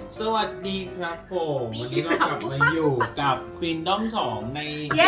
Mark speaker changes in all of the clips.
Speaker 1: สวัสดีครับผมวันนี้เรากลับมาอยู่กับ Kingdom 2 ใน
Speaker 2: เย้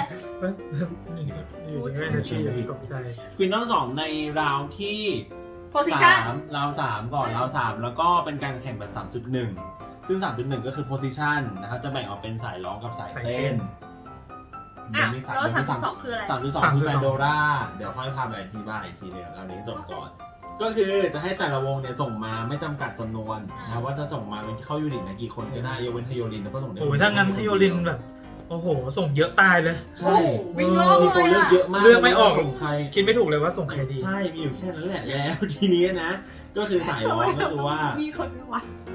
Speaker 3: อยู่ในแม่นาทีตกใจ
Speaker 1: Kingdom 2 ในราวที่
Speaker 2: position
Speaker 1: ราว3ก่อนราว3แล้วก็เป็นการแข่งแบบ 3.1 ซึ่ง 3.1 ก็คือ position นะครับจะแบ่งออกเป็นสายร้องกับสายเต้น
Speaker 2: อ่ะแล้ว3.2คืออะไร
Speaker 1: 3.2 คือแฟนโดราเดี๋ยวค่อยพาไปอธิบายอีกทีหนึงเอานี้จบก่อน ก็คือจะให้แต่ละวงเนี่ยส่งมาไม่จำกัดจำนวนนะว่าจะส่งมาเป็นเข้ายูนิตนะกี่คนก็ได้ยกเว้นไทโยลินแล้วก็ส่งได้
Speaker 3: โอ้ยถ้างั้นไทโยลินแบบโอ้โหส่งเยอะตายเลย
Speaker 1: ใช่
Speaker 2: วิ่งโลก
Speaker 1: มีตัว
Speaker 2: เล
Speaker 1: เลื
Speaker 2: ย
Speaker 1: อกเยอะมาก
Speaker 3: เลือกไม่ออก
Speaker 1: ส่งใคร
Speaker 3: คิดไม่ถูกเลยว่าส่งใครดี
Speaker 1: ใช่มีอยู่แค่นั้นแหละแล้ว ทีนี้นะก็คือสายร้องก็คือว่า
Speaker 2: มีคนไม่ไหว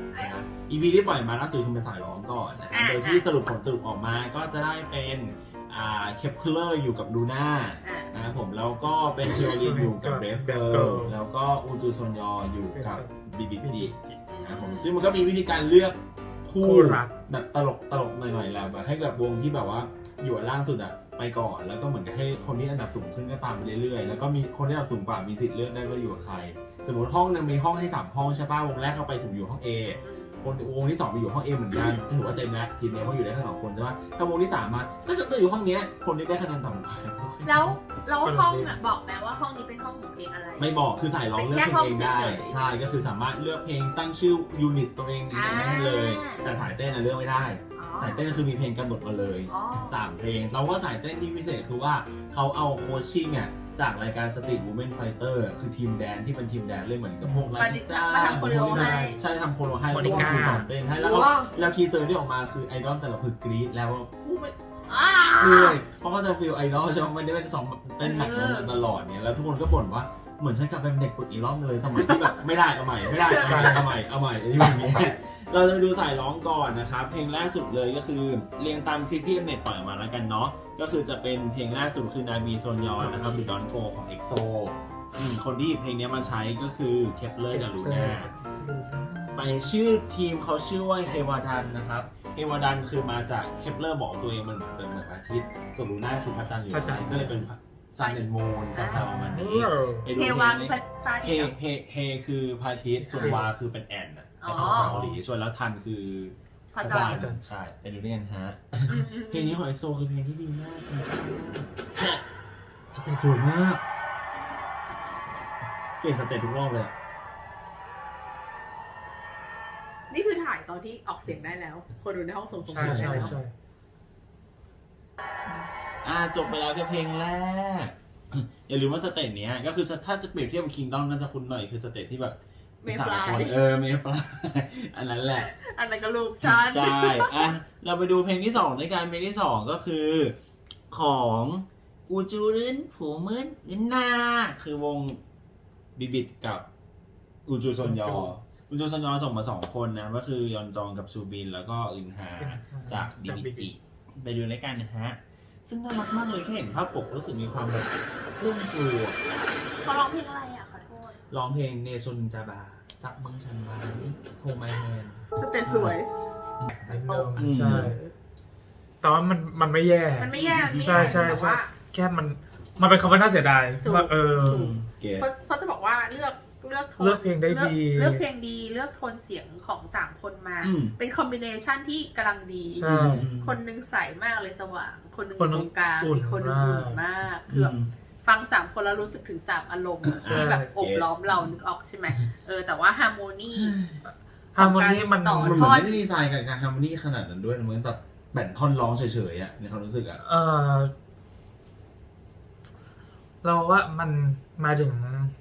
Speaker 1: EP ที่ปล่อยมาล่าสุดคือเป็นสายร้องก่อนนะโดยที่สรุปผลสรุปออกมาก็จะได้เป็นเคปเลอร์อยู่กับลูน่านะครับผมแล้วก็เป็นเทโอลินอยู่กับเรฟเกิร์ลแล้วก็อูจูซอนยออยู่กับบีบีจีนะครับผมซึ่งมันก็มีวิธีการเลือกคู่
Speaker 3: คู่รัก
Speaker 1: แบบตลกหน่อยๆแหละแบบให้กับวงที่แบบว่าอยู่อันล่างสุดอะไปก่อนแล้วก็เหมือนกับให้คนที่อันดับสูงขึ้นก็ตามไปเรื่อยๆแล้วก็มีคนที่อันดับสูงกว่ามีสิทธิ์เลือกได้ว่าอยู่กับใครสมมติห้องนึงมีห้องให้3ห้องใช่ป่ะวงแรกเข้าไปสุ่มอยู่ห้อง A คนวงที่2ไปอยู่ห้อง A เหมือนกันถือว่าเต็มแล้วทีมนี้เพราะอยู่ได้แค่2คนใช่ป่ะถ้าวงที่3มาก็จะอยู่ห้องเนี้ยคนที่ได้คะแนนต่ำกว่า
Speaker 2: แล้วห้องอ่ะบอกไหมว่าห้องนี้เป็นห้องของเพลงอะไร
Speaker 1: ไม่บอกคือสายร้องเลือกเพลงเองได้ใช่ก็คือสามารถเลือกเพลงตั้งชื่อยูนิตตัวเองได้เลย แต่สายเต้นเลือกไม่ได้สายเต้นคือมีเพลงกำหนดมาเลย3เพลงเราว่าสายเต้นที่พิเศษคือว่าเขาเอาโคชชิ่งอ่ะจากรายการ Street Women Fighter คือทีมแดนที่เป็นทีมแดนเลยเหมือนกับพวกราชิต้าใช่ทำโคโรให้แล้วก็คือสอนเต้นให้แล้วทีเซอร์ที่ออกมาคือไอดอลแต่ละคือกรี๊ดแล้วว่าอู้ไม่เลยเพราะก็จะฟีลไอดอลใช่ไหมไม่ได้เป็นสองเต้นหนักนั้นตลอดเนี่ยแล้วทุกคนก็บ่นว่าเหมือนฉันกลับเป็นเด็กฝึกอีกรอบนึงเลยสมัยที่แบบไม่ได้เอาใหม่ไม่ได้เอาใหม่ที่แบบนี้เราจะไปดูสายร้องก่อนนะครับเพลงแรกสุดเลยก็คือเรียงตามคลิปที่เน็ตปล่อยมาแล้วกันเนาะก็คือจะเป็นเพลงแรกสุดคือนาบีโซนยอนนะครับหรือดอนโกของเอ็กโซคนที่เพลงนี้มาใช้ก็คือเคปเลอร์กับลูน่าไปชื่อทีมเขาชื่อว่าเฮวาดันนะครับเฮวาดันคือมาจากเคปเลอร์บอกตัวเองมันเป็นเหมือนอาทิตย์ส่วนลูน่าคือพระจันทร์อยู่ก็เลยเป็นซันเดนโมนประมาณนี้
Speaker 2: เทวาคือพระจันทร์
Speaker 1: เฮคือพระอาทิตย์ส่วนวาคือเป็นแอนนะเป็นของเกาหลีส่วนแล้วทันคือพระจันทร์ใช่ไปดูด้วยกันฮะเพลงนี้ของเอ็กโซคือเพลงที่ดีมากสเตจสวยมากเปลี่ยนสเตจทุกรอบเลย
Speaker 2: นี่คือถ่ายตอนที่ออกเสียงได้แล้ว คนดูในห้องส่งเสียงได้แล้ว
Speaker 1: จบไปแล้วกับเพลงแรกอย่าลืมว่าสเตจเนี้ยก็คือถ้าจะเปรียบเทียบกับคิงดอมน่าจะคุ้นหน่อยคือสเตจที่แบบ
Speaker 2: เมฟลาย
Speaker 1: เมฟลายอันนั้นแหละ
Speaker 2: อันนั้นก็ลูกฉัน
Speaker 1: ใช่เราไปดูเพลงที่2ด้วยกันเพลงที่2ก็คือของอูจูรินผูมึนอินนาคือวงบิบิดกับอูจูซอนยออูจูซอนยอส่งมา2คนนะก็คือยอนจองกับซูบินแล้วก็อินฮาจากบิบิจิไปดูด้วยกันนะฮะซึ่งน่ารักมากเลยแค่เห็นภาพปกรู้สึกมีความแบบรุ่มกลัว
Speaker 2: เขาร้องเพลงอะไรอ่ะขอโทษ
Speaker 1: ร้องเพลงเนซุนจาบาจับเมืองชันไว้โฮไมแฮน
Speaker 2: สเตจสวย
Speaker 3: ใช่แต่ว่ามันไม่แย่ใช่แค่มันเป็นคำว่าน่าเสียดายว่า
Speaker 2: เพราะจะบอกว่าเลือก
Speaker 3: เพลงได้ดี
Speaker 2: เลือกเพลงดีเลือกโทนเสียงของ3คนมาเป็นคอมบิเนชันที่กำลังดีคนนึงใสมากเลยสว่างคนนึงตรงกลางอีกคนนึงอุ่นมากคือฟัง3คนแล้วรู้สึกถึง3อารมณ์ที่แบบอบล้อมเรานึกออกใช่ไหมแต่ว่าฮาร์โมนี
Speaker 1: มันไม่ได้ดีไซน์กับการฮาร์โมนีขนาดนั้นด้วยเหมือนแบบแบ่งท่อนร้องเฉยๆในความรู้สึก
Speaker 3: เราว่ามันมาถึง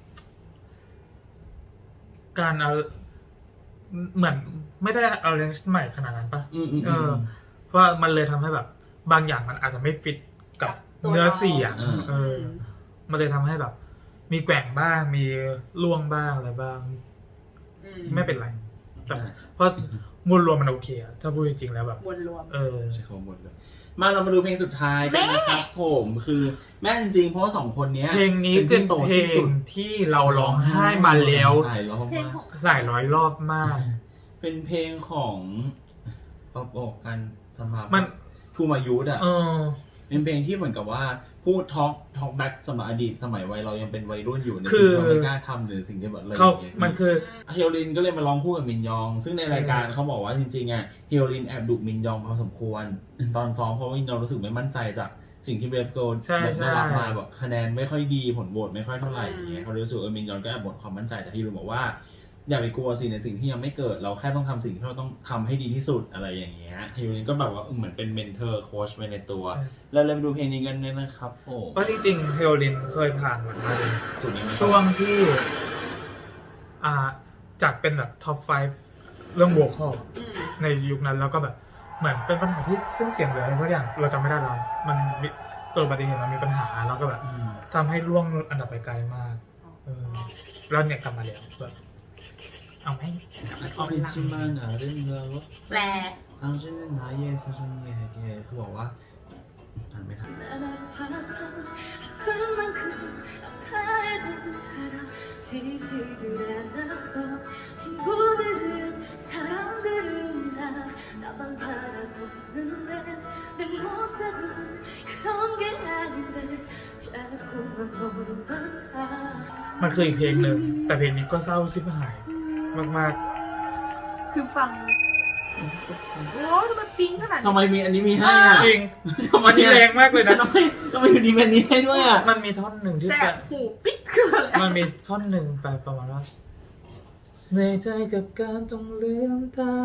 Speaker 3: การเอาเหมือนไม่ได้เอาเรนจ์ใหม่ขนาดนั้นป่ะเพราะมันเลยทำให้แบบบางอย่างมันอาจจะไม่ฟิตกับเนื้อเสียงมันเลยทำให้แบบมีแกว่งบ้างมีล่วงบ้างอะไรบ้างไม่เป็นไรแต่เพราะมวลรวมมันโอเคอะถ้าพูดจริงๆแล้วแบบ
Speaker 2: มวลรวม
Speaker 1: ใช่ของมวลรวมมาเรามาดูเพลงสุดท้ายกันนะครับผมคือแม่จริงๆเพราะ2คนนี้
Speaker 3: เพลงนี้เป็นเพลงที่เราร้องไห้มาแล้วหลายร้อยรอบมาก
Speaker 1: เป็นเพลงของบอกกันสำหรับมันทูมายุทธ์เป็นเพลงที่เหมือนกับว่าพูดท็อกแบ็กสมัยอดีตสมัยวัยเรายังเป็นวัยรุ่นอยู่ในสิ่งที่เราไม่กล้าทำหรือสิ่งที่แบบอะไรอย่างเงี้ย
Speaker 3: มันคือ
Speaker 1: เฮียรินก็เลยมาร้องคู่กับมินยองซึ่งในรายการเขาบอกว่าจริงๆอ่ะเฮียรินแอบดุมินยองพอสมควรตอนซ้อมเพราะว่ามินยองรู้สึกไม่มั่นใจจากสิ่งที่เบรฟโกลได้รับมาแบบคะแนนไม่ค่อยดีผลโหวตไม่ค่อยเท่าไหร่อย่างเงี้ยเขารู้สึกมินยองก็แอบบ่นความมั่นใจแต่เฮียรินบอกว่าอย่าไปกลัวสิในสิ่งที่ยังไม่เกิดเราแค่ต้องทำสิ่งที่เราต้องทำให้ดีที่สุดอะไรอย่างเงี้ยเฮียรินก็แบบว่าเหมือนเป็นเมนเทอร์โค้ชไปในตัวแล้วเริ่มดูเพลงนี้กันเลยนะครับโอ้
Speaker 3: ก็จริงๆเฮโอลินเคยผ่านมาช่วงที่จากเป็นแบบท็อป 5เรื่องโวคอลในยุคนั้นแล้วก็แบบเหมือนเป็นปัญหาที่เส้นเสียงหรืออะไรสักอย่างเราจำไม่ได้แล้วมันตัวอุบัติเหตุมันมีปัญหาแล้วก็แบบทำให้ล่วงอันดับไปไกลมากแล้วเนี่ยกลับมาแล้วแบบเอาไหม
Speaker 1: เอาเป็นชิมานะเรื่องเรา
Speaker 2: แปล
Speaker 1: เอาชื่อนาเย่ซาชันเย่เย่เขาบอกว่าอ่านไม่ทัน
Speaker 3: มันคืออีกเพลงหนึ่งแต่เพลงนี้ก็เศร้าชิบหายมาก
Speaker 2: ๆคือฟังโอ้ทำไมปิ๊งขนาดนี้
Speaker 1: ทำไมมีอันนี้มีให้อ่ะ
Speaker 3: จริงมันแรงมากเลยนะ
Speaker 1: ทำไมอยู่ดีแบบนี้ให้ด้วยอ่ะ
Speaker 3: มันมีท่อนหนึ่งที่
Speaker 2: แบบหูปิ๊กคืออะไร
Speaker 3: มันมีท่อนหนึ่งไปประมาณว่าในใจกับการต้องเลื่อนตา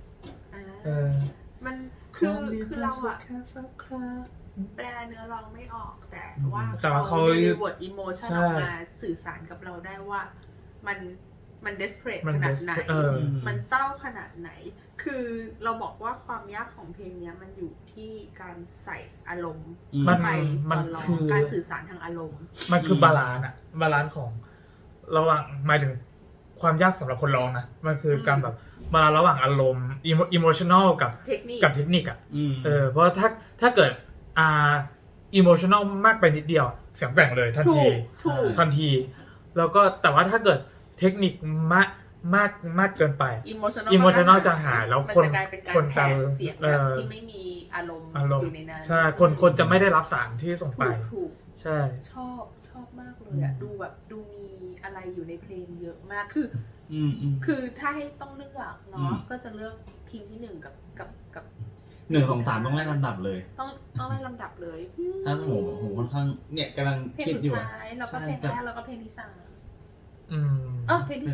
Speaker 2: มันคือเราอะแปลเนื้อร้องไม่ออกแต่ว่าเขามีบทอิโมชันออกมาสื่อสารกับเราได้ว่ามันเดสเพรสขนาดไหนมันเศร้าขนาดไหนคือเราบอกว่าความยากของเพลงนี้มันอยู่ที่การใส่อารมณ์ไปตอนร้องการสื่อสารทางอารมณ์
Speaker 3: มันคือบาลานซ์ของระหว่างหมายถึงความยากสำหรับคนร้องนะมันคือการแบบบาลานซ์ระหว่างอารมณ์อิโมชันแนลกับเทคนิคอ่ะเพราะถ้าเกิดอิโมชันแนลมากไปนิดเดียวเสียงแกว่งเลยทันทีแล้วก็แต่ว่าถ้าเกิดเทคนิคมากเกินไปอิโมชันแนลจะหายแล้วคนจะ
Speaker 2: เสียงแบบที่ไม่มีอารมณ์อยู่ในนั้น
Speaker 3: ใช่คนจะไม่ได้รับสารที่ส่งไปใช่
Speaker 2: ชอบมากเลยอ่ะดูแบบดูมีอะไรอยู่ในเพลงเยอะมากคือถ้าให้ต้องเลือกเนาะก็จะเลือกทีมที่1กับ
Speaker 1: 1 2 3ต้องไล่ลำดับเลย
Speaker 2: ต้องไล่ลำดับเลย
Speaker 1: ถ้าผมค่อนข้างเนี่ยกำลังคิดอยู่
Speaker 2: เพลงสุดท้ายแล้วก็เพลงแรกแล้วก็เพลงที่3เพลงที่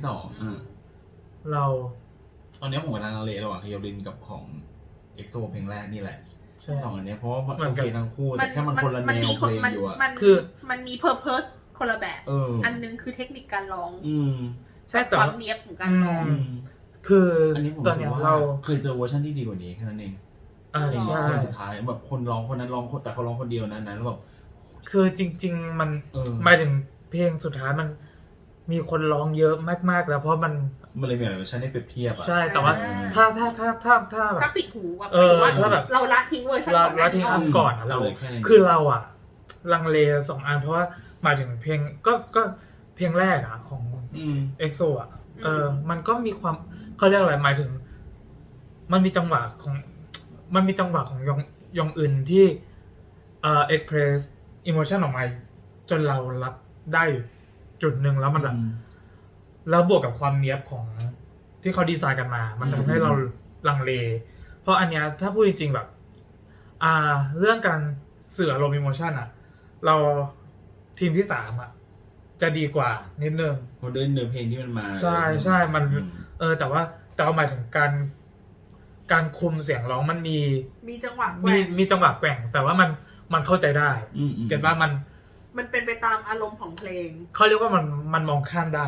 Speaker 2: 2
Speaker 3: เรา
Speaker 1: ตอนนี้ผมกำลังเลระหว่างเฮียรินกับของเอ็กโซเพลงแรกนี่แหละ2อันนี้เพราะว่าโอเคทั้งคู่แต่แค่มันคนละแนวเพลงอยู่อ่ะ
Speaker 2: คือมันมีเพอร์เพสคนละแบบอันนึงคือเทคนิคการร้อง
Speaker 3: ใช่แต่
Speaker 2: ความเนี๊ยบของการร้อง
Speaker 3: คือ
Speaker 1: อันนี้ผมรู้สึกว่าเคยเจอเวอร์ชันที่ดีกว่านี้แค่นั้นเองใช่สุดท้ายแบบคนร้องคนนั้นร้องแต่เขาร้องคนเดียวนั้นแล้วแบบ
Speaker 3: คือจริงๆมันหมายถึงเพลงสุดท้ายมันมีคนร้องเยอะมากๆแล้วเพราะมัน
Speaker 1: เลยมีอะไรเวอร์ชันให้เปรียบเทียบอ่ะ
Speaker 3: ใช่แต่ว่าถ้า
Speaker 2: แบบถ้าปิดหูแบบเราละทิ้งเวอร์ชันก่อน
Speaker 3: ละทิ้งอันก่อนเราคือเราอ่ะลังเล2อันเพราะว่าหมายถึงเพลงก็เพลงแรกอ่ะของเอ็กโซอ่ะมันก็มีความเขาเรียกอะไรหมายถึงมันมีจังหวะของยองอึนที่เอ็กเพรสอิโมชันออกมาจนเรารับได้จุดหนึ่งแล้วมันแบบแล้วบวกกับความเนี้ยบของที่เขาดีไซน์กันมามันทำให้เราลังเลเพราะอันเนี้ยถ้าพูดจริงๆแบบเรื่องการสื่ออารมณ์อิโมชันอ่ะเราทีมที่3อ่ะจะดีกว่านิดนึง
Speaker 1: เพราะด้วยเนื้อเพลงที่มันมา
Speaker 3: ใช่มันแต่ว่าหมายถึงการคุมเสียงร้องมัน
Speaker 2: มีจังหวะแกว่ง
Speaker 3: มีจังหวะแกว่งแต่ว่ามันเข้าใจได้เก็ทว่า
Speaker 2: มันเป็นไปตามอารมณ์ของเพลง
Speaker 3: เขาเรียกว่ามันมองข้ามได้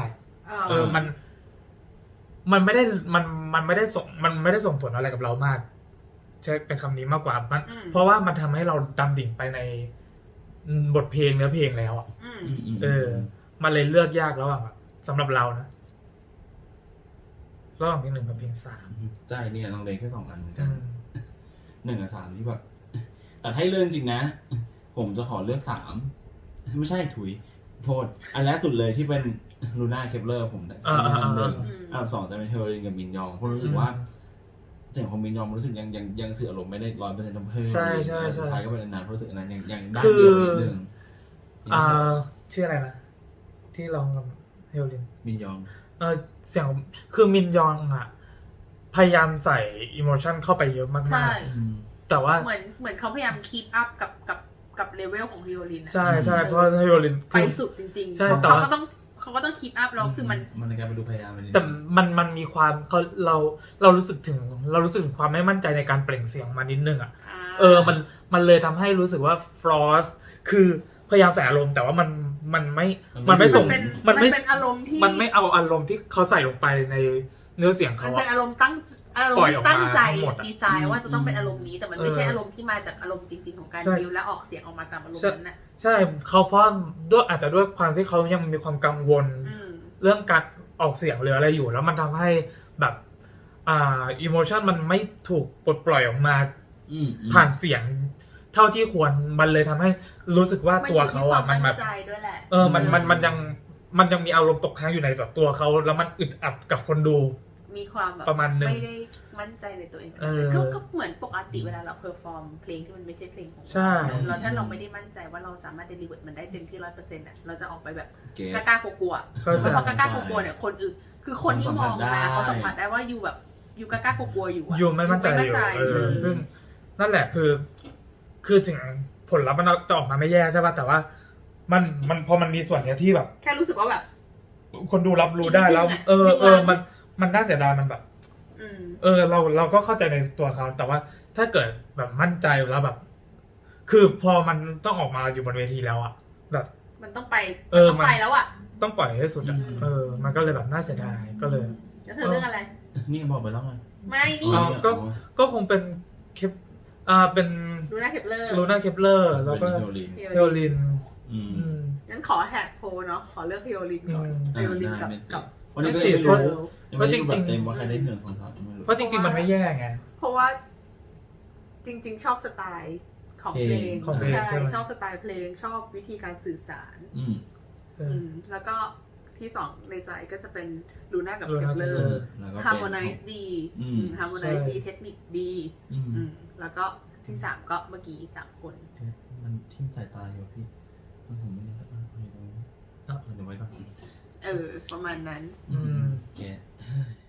Speaker 3: มันไม่ได้ส่งผลอะไรกับเรามากใช่เป็นคำนี้มากกว่าเพราะว่ามันทำให้เราดำดิ่งไปในบทเพลงเนื้อเพลงแล้วอ่ะมันเลยเลือกยากแล้วอ่ะสำหรับเรานะระหว่างเพลง1กับเพลง3
Speaker 1: ใช่เนี่ยลองเล่นแค่2อันเหมือนกัน1กับ3ที่แบบแต่ให้เลือกจริงนะผมจะขอเลือก3ไม่ใช่ถุยโทษอันแรกสุดเลยที่เป็นลูน่าเคปเลอร์ผมอันดับ1อันดับ2จะเป็นเฮโอรินกับมินยองเพราะรู้สึกว่าเสียงของมินยองรู้สึกยังสื่ออารมณ์ไม่ได้100%ทั้งเพลง
Speaker 3: ใช่
Speaker 1: สุดท้ายก็เป็นอันนั้นรู้สึกอันนั้นยังได้
Speaker 3: คือ
Speaker 1: เดียวนิดนึง
Speaker 3: ชื่ออะไรนะที่ร้องกับเฮโอลิน
Speaker 1: มินยอง
Speaker 3: เสียงคือมินยองอ่ะพยายามใส่อิโมชันเข้าไปเยอะมาก
Speaker 2: ใช่
Speaker 3: ๆแต่ว่า
Speaker 2: เหมือนเขาพยายามคีปอัพกับเลเวลของฮิโอลิน
Speaker 3: ใช่เพราะเฮโอลิน
Speaker 2: ไปสุดจริงๆ
Speaker 3: ใช่แต่
Speaker 2: เขาก็ต้องคีปอัพแล้วคือมัน
Speaker 1: ในการไปดูพยายาม
Speaker 3: แต่มันมีความเรารู้สึกถึงความไม่มั่นใจในการเปล่งเสียงมานิดนึงอ่ะมันเลยทำให้รู้สึกว่าฟรอสคือพยายามใส่อารมณ์แต่ว่ามันไม่ส่ง
Speaker 2: มันเป็นอารมณ์ที่
Speaker 3: มันไม่เอาอารมณ์ที่เขาใส่ลงไปในเนื้อเสียง
Speaker 2: มั
Speaker 3: เขา
Speaker 2: นเป็นอารมณ์ที่ตั้งใจดีไซน์ว่าจะต้องเป็นอารมณ์นี้แต่มันไม่ใช่อารมณ์ที่มาจากอารมณ์จริงๆของการดิวและออกเสียงออกมาตามอารมณ์นั้นน่ะ
Speaker 3: ใช่เขาเพราะด้วยอาจจะด้วยความที่เขายังมีความกังวลเรื่องการออกเสียงหรืออะไรอยู่แล้วมันทำให้แบบอิโมชันมันไม่ถูกปลดปล่อยออกมาผ่านเสียงเท่าที่ควรมันเลยทำให้รู้สึกว่าตัวเขาอ่ะมันแบบมันยังมีอารมณ์ตกค้างอยู่ในแบบตัวเขาแล้วมันอึดอัดกับคนดู
Speaker 2: มีความแบบ
Speaker 3: ประมาณนึง
Speaker 2: ไม่ได้มั่นใจในตัวเองก็เหมือนปกติเวลาเราเพอร์ฟอร์มเพลงที่มันไม่ใช่เพลงของเราถ้าเราไม่ได้มั่นใจว่าเราสามารถเดลิเวอร์มันได้เต็มที่ 100% อ่ะเราจะออกไปแบบกล้ากลัวๆเพราะกล้ากลัวๆเนี่ยคนอื่นคือคนที่มองมาเขาสัมผัสได้ว่าอยู่กล้ากลัวๆอยู่
Speaker 3: ไม่มั่นใจอยู่ซึ่งนั่นแหละคือถึงผลลัพธ์มันจะออกมาไม่แย่ใช่ป่ะแต่ว่ามันพอมันมีส่วนเนี้ยที่แบบ
Speaker 2: แค่รู้สึกว่าแบบ
Speaker 3: คนดูรับรู้ได้แล้วมันน่าเสียดายมันแบบเราก็เข้าใจในตัวเขาแต่ว่าถ้าเกิดแบบมั่นใจแล้วแบบคือพอมันต้องออกมาอยู่บนเวทีแล้วอ่ะแบบ
Speaker 2: มันต้องไปแล้วอ่ะ
Speaker 3: ต้องปล่อยให้สุดอ่ะมันก็เลยแบบน่าเสียดายก็เลย
Speaker 2: แล้วเธอเรื่องอะไร
Speaker 1: นี่บอกไปแล้วไง
Speaker 2: ไม่นี่
Speaker 3: ก็คงเป็นเป็น
Speaker 2: ลูน่าเคปเลอร์
Speaker 3: แล้วก็เฮโอลิน
Speaker 2: งั้นขอแฮกโพเนาะขอเลือกเฮโอลินก่อนเฮโอลินกับ
Speaker 1: วันนี้ก็ยังไม่รู้ว่าจริงๆเต็มว่าใครได้1 2 3ไม่รู้
Speaker 3: เพราะจริงๆมันไม่แย่ไง
Speaker 2: เพราะว่าจริงๆชอบสไตล์ของเพลงใช่ชอบสไตล์เพลงชอบวิธีการสื่อสารแล้วก็ที่2ในใจก็จะเป็นลูน่ากับเคปเลอร์ฮาร์โมไนซ์ดีฮาร์โมไนซ์ดีเทคนิคดีแล้วก็ที่3ก็เมื่อกี้3คน
Speaker 1: มันทิ่มสายตาอยู่พี่ผมไม่ได้สักอันเลยเดี๋ยวไว้ก่อน
Speaker 2: ประมาณนั้น
Speaker 1: แก